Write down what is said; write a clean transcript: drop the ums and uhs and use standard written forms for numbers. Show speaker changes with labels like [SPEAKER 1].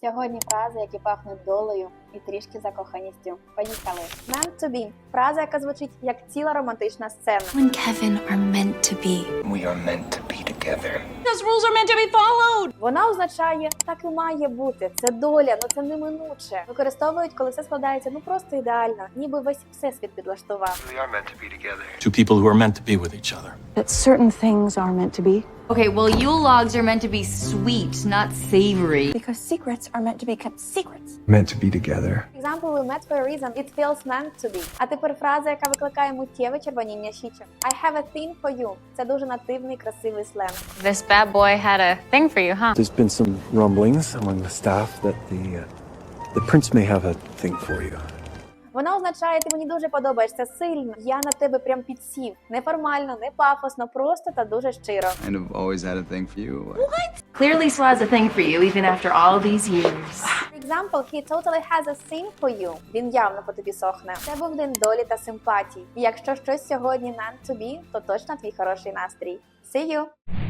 [SPEAKER 1] Сьогодні фрази, які пахнуть долею і трішки закоханістю. Поїхали. Meant to be – фраза, яка звучить як ціла романтична сцена.
[SPEAKER 2] You and Kevin are meant to be.
[SPEAKER 3] We are meant to be together.
[SPEAKER 2] Those rules are meant to be followed.
[SPEAKER 1] Вона означає «так і має бути», «це доля», «ну це неминуче». Використовують, коли все складається просто ідеально, ніби весь всесвіт підлаштував.
[SPEAKER 3] We are meant to be together.
[SPEAKER 4] Two people who are meant to be with each other.
[SPEAKER 5] That certain things are meant to be.
[SPEAKER 6] Okay, well, Yule logs are meant to be sweet, not savory.
[SPEAKER 5] Because secrets are meant to be kept secrets.
[SPEAKER 3] Meant to be together.
[SPEAKER 1] Example, we met for a reason. It feels meant to be. А тепер фраза, яка викликає миттєве червоніння щічок. I have a thing for you. Це дуже нативний, красивий сленг.
[SPEAKER 7] This bad boy had a thing for you, huh?
[SPEAKER 8] There's been some rumblings among the staff that the prince may have a thing for you.
[SPEAKER 1] Вона означає, ти мені дуже подобаєшся сильно. Я на тебе прям підсів. Неформально, не пафосно, просто та дуже щиро.
[SPEAKER 9] Kind of always had a thing for you.
[SPEAKER 6] Clearly, Swa has a thing for you, even after all these years.
[SPEAKER 1] Example, he totally has a thing for you. Він явно по тобі сохне. Це був день долі та симпатій. І якщо щось сьогодні meant to be, то точно твій хороший настрій. See you!